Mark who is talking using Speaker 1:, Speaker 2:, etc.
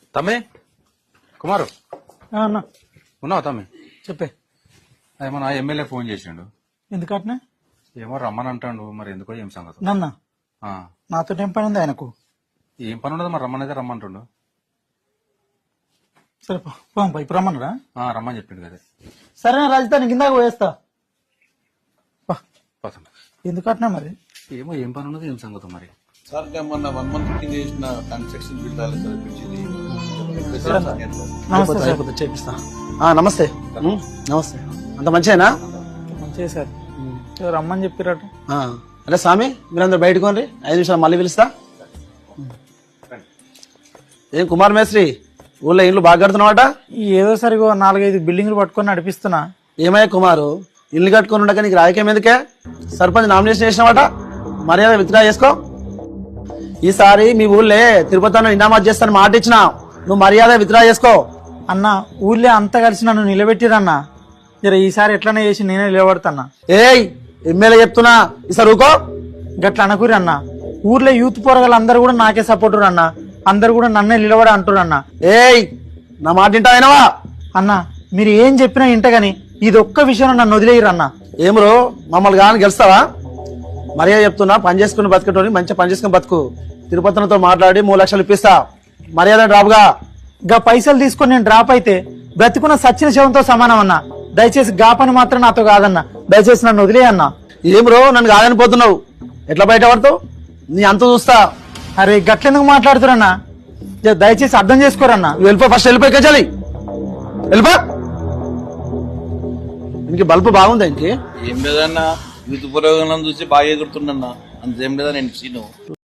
Speaker 1: తమ్మి కుమారు
Speaker 2: అన్నా
Speaker 1: ఉన్నావు తమ్మి?
Speaker 2: చెప్పే.
Speaker 1: ఏమో నా ఎమ్మెల్యే ఫోన్ చేసిండు.
Speaker 2: ఎందుకట్నే?
Speaker 1: ఏమో రమ్మని అంటాడు, మరి ఎందుకో ఏం సంగతి.
Speaker 2: నన్న
Speaker 1: ఆ,
Speaker 2: నాతో ఏం పని ఉంది ఆయనకు?
Speaker 1: ఏం పని ఉండదు, మరి రమ్మనైతే రమ్మంటుండు.
Speaker 2: సరే పోంపా, ఇప్పుడు రమ్మన్నారా?
Speaker 1: రమ్మని చెప్పిండు కదా.
Speaker 2: సరే రాజధాని కిందాక పోయేస్తా.
Speaker 1: పోతాం.
Speaker 2: ఎందుకట్నా మరి?
Speaker 1: ఏమో ఏం పని ఉన్నది, ఏం సంగతి మరి.
Speaker 3: సార్ మొన్న 1 month కింద చేసిన కన్స్ట్రక్షన్ బిల్ రాలేదు సార్, పిలిచింది.
Speaker 2: నమస్తే సార్. చేపిస్తా.
Speaker 4: నమస్తే. నమస్తే. అంత మంచిదేనా?
Speaker 2: మంచిగా సార్. రమ్మని చెప్పిరట.
Speaker 4: అరే స్వామి, మీరందరూ బయటకు రండి, 5 నిమిషాలు మళ్ళీ పిలుస్తా. ఏం కుమార్ మేస్త్రి, ఊళ్ళో ఇండ్లు బాగా కడుతున్నావాట?
Speaker 2: ఏదో సరిగో 4-5 బిల్డింగ్లు పట్టుకొని నడిపిస్తున్నా.
Speaker 4: ఏమయ్యా కుమారు, ఇల్లు కట్టుకొని ఉండక నీకు రాజకీయం ఎందుకే? సర్పంచ్ నామినేషన్ చేసినవాట, మర్యాద విత్డ్రా చేసుకో. ఈసారి మీ ఊళ్ళే తిరుపతిలో ఇనామాత్ చేస్తాను మాట ఇచ్చినా, నువ్వు మర్యాద విత్డ్రా చేసుకో.
Speaker 2: అన్న ఊళ్ళో అంతా కలిసి నన్ను నిలబెట్టిరన్నా. జర ఈసారి ఎట్లనే చేసి నేనే నిలబడతాన్నా.
Speaker 4: ఏయ్ ఎమ్మెల్యే చెప్తున్నా, ఈసారి ఊకో.
Speaker 2: గట్ల అనకూరి అన్న. ఊర్లో యూత్ పోరగాళ్ళు అందరు కూడా నాకే సపోర్టర్ అన్న. అందరు కూడా నన్నే నిలబడ అంటారు అన్న.
Speaker 4: ఏయ్ నా మాట వింటావా?
Speaker 2: అన్న మీరు ఏం చెప్పినా ఇంటగాని ఇది ఒక్క విషయంలో నన్ను వదిలేయరు అన్న.
Speaker 4: ఏమరు మమ్మల్ని కానీ గెలుస్తావా? మర్యాద చెప్తున్నా, పని చేసుకుని బతికేటోని మంచిగా పని చేసుకుని బతుకు. తిరుపతితో మాట్లాడి 3 లక్షలు ఇప్పిస్తా, మర్యాద డ్రాప్గా.
Speaker 2: గా పైసలు తీసుకొని నేను డ్రాప్ అయితే బ్రతికున్న సచ్చిన శవంతో సమానం అన్న. దయచేసి గా పని మాత్రం నాతో కాదన్న. దయచేసి నన్ను వదిలే అన్న.
Speaker 4: ఏమరు నన్ను కాదని పోతున్నావు, ఎట్లా బయట పడతావు? నీ అంత చూస్తా.
Speaker 2: అరే గట్లెందుకు మాట్లాడుతురన్నా? దయచేసి అర్థం చేసుకోరన్నా.
Speaker 4: వెళ్ళిపో, ఫస్ట్ వెళ్ళిపోయి కచాలి, వెళ్ళిపో. ఇంక బల్బు బాగుందా? ఇంకే
Speaker 3: ఏం లేదన్నా, యూత్ పురోగమనం చూసి బాగా ఎగురుతున్నా, అంతేం లేదా నేను సీను.